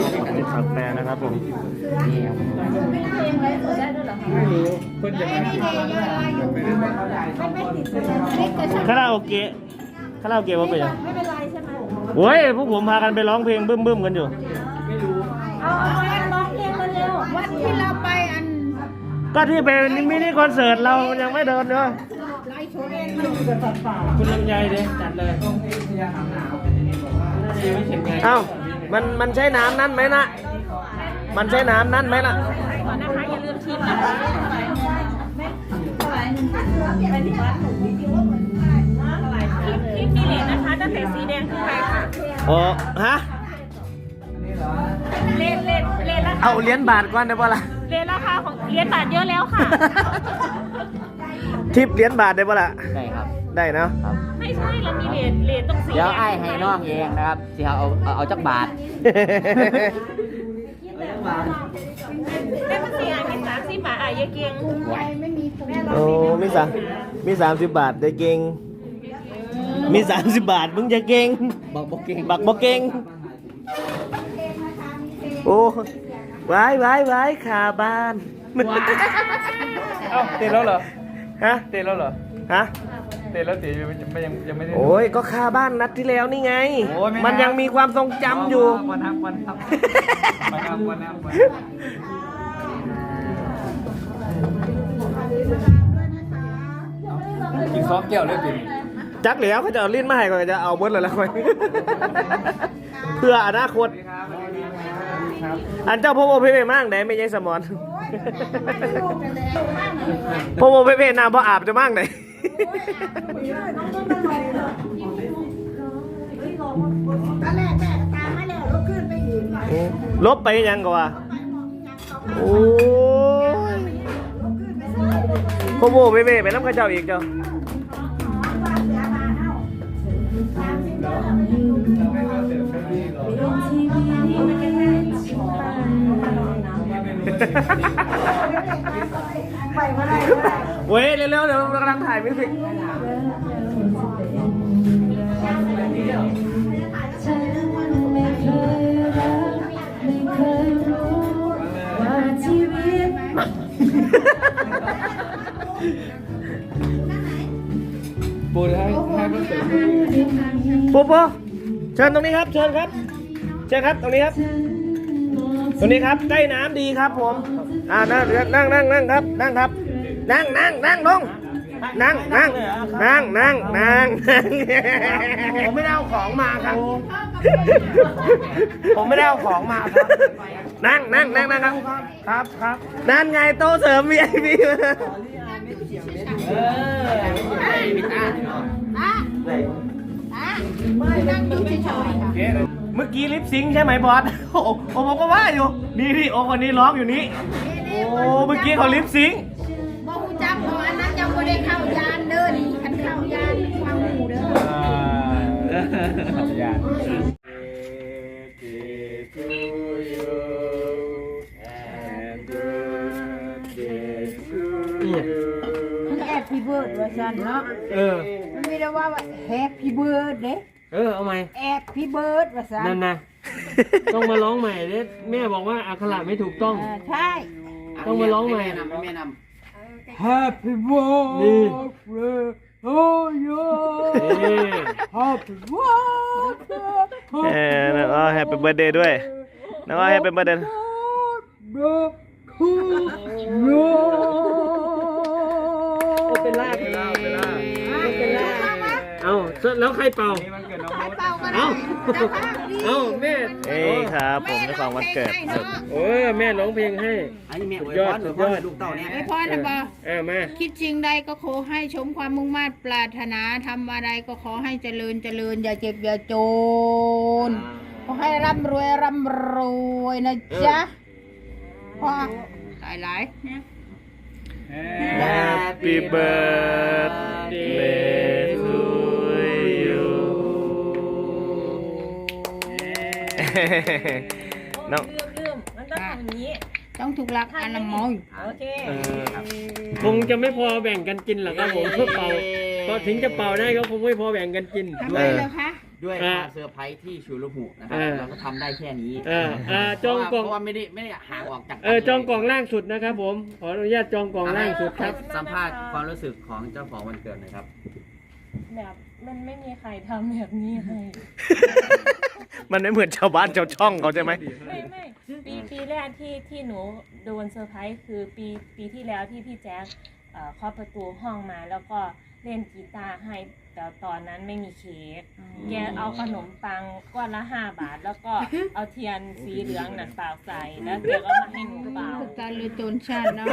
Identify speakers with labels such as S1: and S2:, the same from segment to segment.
S1: อันนี้ถักแปรนะครับผม
S2: เพิ่นจะมา
S1: คาราโอเกะว่าเป็นยังโอ้ยพวกผมพากันไปร้องเพลงบึ้มกันอยู่
S3: เอาร้องเพลงมาเร็ววันที่เราไปอัน
S1: ก็ที่เป็นมินิคอนเสิร์ตเรายังไม่เดินเนอะ
S3: ไลฟ์โชว์เอง
S1: คุณลำไยเด้จัดเลยเอ้ามันใช้น้ำนั่นไหมนะมันใช้น้ำนั่นไหมล่ะ
S3: ก่อนนะคะอย่าลืมชิมนะคะคลิปมีเหรียญนะคะตั้งแต่สีแดงขึ้นไปค่ะ
S1: อ๋อฮะ
S3: เลนราคา
S1: เอาเหรียญบาทก่อนได้ป่ะล่ะ
S3: เลนราคาของเหรียญบาทเยอะแล้วค่ะ
S1: ทิปเหรียญบาทได้ป่ะล่ะ
S4: ได้ครับ
S1: ได้เนาะ
S4: ครับ
S3: ไม่ใช่เรามีเหรียญตรงสี
S4: เดี๋ยว
S3: แดง
S4: ไอ้ให้น้องเองนะครับที่เอาจักบาท
S3: แต่มันสีอ่ะเห็น30 บาทอ่ะยายเกียง
S1: โอ้มี30 บาทได้เก่งมี30 บาทมึงจะเก่ง
S4: บอกบอกเก่ง
S1: บักบ่เก่งโอ้ไว้ขาบ้าน
S2: เอ้าเตะแล้วเหรอ
S1: ฮะ
S2: เตะแล้วเหรอ
S1: ฮะ
S2: เตะแล้วเตะยังไม่ได้
S1: โอ้ยก็คาบ้านนัดที่แล้วนี่ไง
S2: โอ้ยไม่นับ
S1: มันยังมีความทรงจำอยู่
S2: วันนับกินซอสแก้วเลยกิน
S1: จักเหลียวเขาจะเอาลิ้นมาให้ก่อนจะเอาเบิร์ดเลยละค่อย เพื่ออนาคต อันเจ้าพ่อโมเพเป้มากไหนไม่ใช่สมอนพ่อโมเพเป้น้ำพ่ออาบจะมากไหนลบไปยังกว่าโอ้ยพ่อโมเพเป้ไปน้ำข้าเจ้าอีกเจ้าเว้ยเร็วๆเดี๋ยวเรากำลังถ่ายมิวสิก
S2: ปูให้คอนเสิร์ต
S1: ปุ๊บเชิญตรงนี้ครับเชิญครับเชิญครับตรงนี้ครับตรงนี้ครับใกล้น้ำดีครับผมนั่งครับนั่งครับนั่งลงนั่งผมไม่ได้เอาของมาครับผมไม่ได้เอาของมาครับนั่งครับนั่นไงโต๊ะเสริม VIP เมื่อกี้ลิปซิงค์ใช่ไหมบอสโอ้ผมก็ว่าอยู่นี่โอ้คนนี้ร้องอยู่นี่โอ้เมื่อกี้เขาลิปซิงค์
S3: บ่ฮู้จักเพราะอันนั้นยังบ่ได้เข้ายานเด้อนี่คันเข้ายานฟังหูเด้อ
S2: ยาน
S3: มันแฮปปี้เบิร์ดว่าซั่นเนาะมันมีแต่ว่าแฮปปี้เบิร์ดเด้
S1: เอาไหม
S3: แฮปปี้เบิร์ดว่าซั่น
S1: นั่นนะต้องมาร้องใหม่เด้แม่บอกว่าอักขระไม่ถูกต้อง
S3: ใช่
S1: ต้องมาร้องใหม่
S3: Happy birthday to you Happy birthday
S1: น้องอ้อแฮปปี้เบิร์ดเดย์ด้วยน้องอ้อแฮปปี้เบิร์ดเดย์ เป็นลาเอาแล้วใครเป่า เอาแม่ครับผมในความวันเกิดแม่ร้องเพลงให้
S4: อันนี้แม่
S1: สุดยอด
S4: ลูกเต่าเนี่ย
S3: ไอ้พ่อนะบ่
S1: มา
S3: คิดสิ่งใดก็ขอให้สมความมุ่งมั่นปรารถนาทำอะไรก็ขอให้เจริญอย่าเจ็บอย่าจนขอให้ร่ำรวยนะจ๊ะพ่อหลายๆนะ
S1: Happy birthday to you น้อง
S3: ลืมมันต้องทำอย่างนี้ต้องถูกหลักอนามัยโอเค
S1: คงจะไม่พอแบ่งกันกินหรอกครับผมเพื่อเป่าพอถึงจะเป่าได้ก็คงไม่พอแบ่งกันกิน
S3: ทำไมเหรอคะ
S4: ด้วยความเซอร์ไพรส์ที่ชูรุหุนะครับเราก็ทำได้แค่นี้
S5: จองกล่อง
S4: เพราะว่าไม่ได้ห่างออกจาก
S5: จองกล่องล่างสุดนะครับผมขออนุญาตจองกล่องล่างสุดครับ
S4: สัมภาษณ์ความรู้สึกของเจ้าของวันเกิดหน่อยครับ
S6: แบบมันไม่มีใครทำแบบนี้ให้
S1: มันไม่เหมือนชาวบ้านชาวช่องเขาใช่ไหม
S6: ไม่ปีแรกที่หนูโดนเซอร์ไพรส์คือปีที่แล้วที่พี่แจ๊คเคาะประตูห้องมาแล้วก็เล่นกีตาร์ให้แต่ตอนนั้นไม่มีเค้กแกเอาขนมปังก้อนละ5 บาท แล้วก็เอาเทียนสีเหลืองนั่นเปล่าใส่แล้วแกก็มาให้หนูเปล่า
S3: ตาเลยโจรชาติเนาะ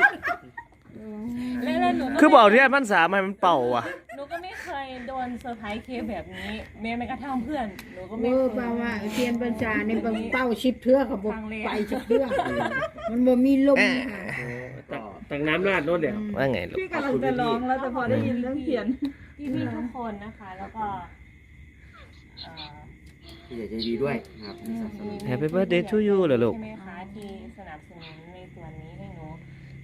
S6: แล้วหนูก็
S1: คือบอกที่มันสามให้มันเป่าอ่ะ
S6: หนูก็ไม่เคยโดนเซอร์ไพรส์เค้กแบบนี้แม้กระทั่งเพื่อนหนูก็
S3: เอ
S6: ไม่
S3: อ
S6: เค
S3: แปลว่าย เทียนปัญชาเนี่ยเป็นเป้าชิบเทือเขาบอกไปชิบเทือมันบ่มีลมค่ะ
S5: ตักน้ำราดรถเดี๋ยว
S1: ว่าไงลูก
S7: พี่กำลังจะร้องแล้วแต่พอได้ยินเรื่องเขียน
S6: พี่ทุกคนนะคะแล้วก็
S4: ที่จะใจดีด้วยนะครับที่สนับสนุน
S1: Happy birthday to you เหรอลูก
S6: ใช่ไหมคะที่สนับสนุนในส่วนนี้ให้หนู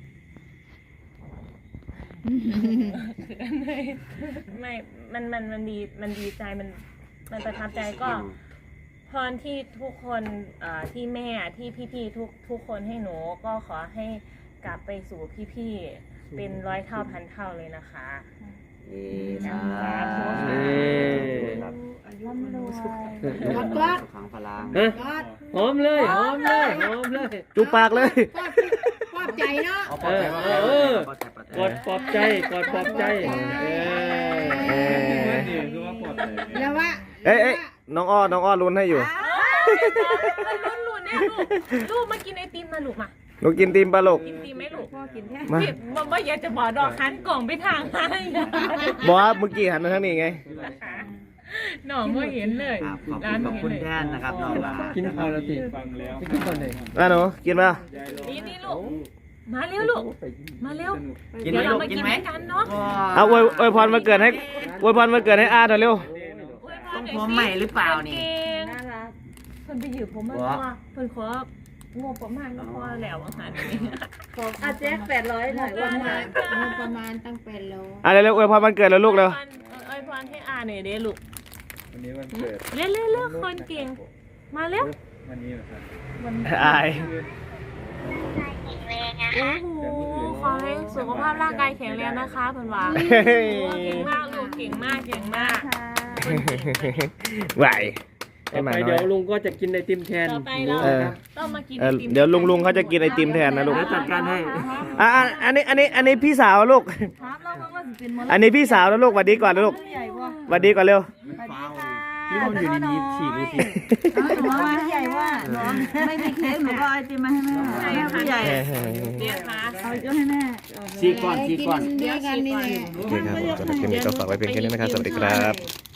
S6: ไม่มันดีใจมันประทับใจก็พรที่ทุกคนที่แม่ที่พี่ๆทุกคนให้หนูก็ขอให้กลับไปสู่พี่ๆเป็น100 เท่าพันเท่าเลยนะคะ
S4: สาธุ
S6: ร่ำรวย
S3: กอด
S4: ขังพลัง
S5: ฮะ
S3: กอด
S5: หอมเลยหอมเลยหอมเลย
S1: จุ๊บปากเลย
S3: ปลอบใจเนาะ
S4: ปลอบใจ
S5: กดปลอบใจกดปลอบใจ
S2: คือว่าปลอดภัย
S3: แล้วว่า
S1: เอ้ยน้องอ้อลุ้นให้อยู่
S6: รุ่นเนี่ยลูกมากินไอติมมาลูกมา
S1: ลูกกินตีมปลาลูก
S6: กินติมไหมลูก
S1: มา
S6: พี่บอกอยากจะบอกดอกคันกล่องไปทางให้
S1: บอกว่าเมื่อกี้หันมาทางนี้ไง
S6: หน่อไม่เห็นเลย
S4: ขอบคุณแทนนะครับน้องหลา
S5: กินข้าวแล้วติ
S2: ฟังแล้ว
S5: ไปกินตอนไหน
S1: อ่ะหนูกินป่ะ
S6: นี่ลูกมาเร็วลูกมาเร็ว
S4: กินไหม
S6: เดี๋ยวเรา
S4: ลูก
S6: มา
S4: กิ
S6: กิ
S4: น
S6: น
S4: ไหม
S6: ด้วยกันเนาะ
S1: เอาอวยพรมาเกิดให้อวยพรมาเกิดให้อาหน่อยเร็ว
S4: ต้องพร้อมใหม่หรือเปล่านี่
S6: น่ารักเพิ่นไปยืมผมมาตัวเพิ่นของบประมาณก็พอแล้วอาหารนี้
S7: อาแจ๊ก800หน่อยวันมา
S3: ประมาณตั้งเป็นโล
S1: อ่ะเร็วๆอวยพรมันเกิดแล้วลูกเร็ว
S6: เอ้ยพรให้อาหน่อยเด้ลูก
S2: วันนี้วันเกิด
S6: เร็วคนเก่งมาเร็ว
S2: วันนี้เหรอครับ
S1: อาย
S6: โอ้โหขอให้สุขภาพร่างกายแข็งแรงนะคะเพิ่นว่า
S1: เฮ้ย
S6: เก่งมากลูกเก่งมาก
S1: ไหว
S5: ต่
S1: ให้
S5: อ
S1: มา
S5: ไป
S1: น้
S5: เดี๋
S1: อ
S5: ยวย ลุงก็จะกินไอติมแทน
S6: ต่อไปเรา
S1: เออ
S6: ต้องมากิน
S1: เดี๋ยวลุงเขาจะกินไอติมแทนนะลูก
S5: จัดการให้
S1: อันนี้พี่สาวลูก
S7: ถามเราว่าสิเป็นม
S1: อันนี้พี่สาวแล้วลูกหวัดดีก่อนนะลูก
S7: ใหญ่บ่
S1: หวัดดีก่อนเร็ว
S4: พี่คนอยู่ในนี้ฉีกดูสิ
S7: หนูว่าใหญ่ว่าไม่มีเค้กหนูก็ไอติมมาให้แม่แม่ผู้ใหญ่
S6: เดี๋ยวมา
S7: เอายกให้แม่
S4: ฉีกก่อนฉีกก่อน
S3: เดียวกันนี่แหละ
S1: โอเคครับผมสำหรับคลิปนี้ก็ฝากไว้เพียงแค่นี้นะครับ สวัสดีครับ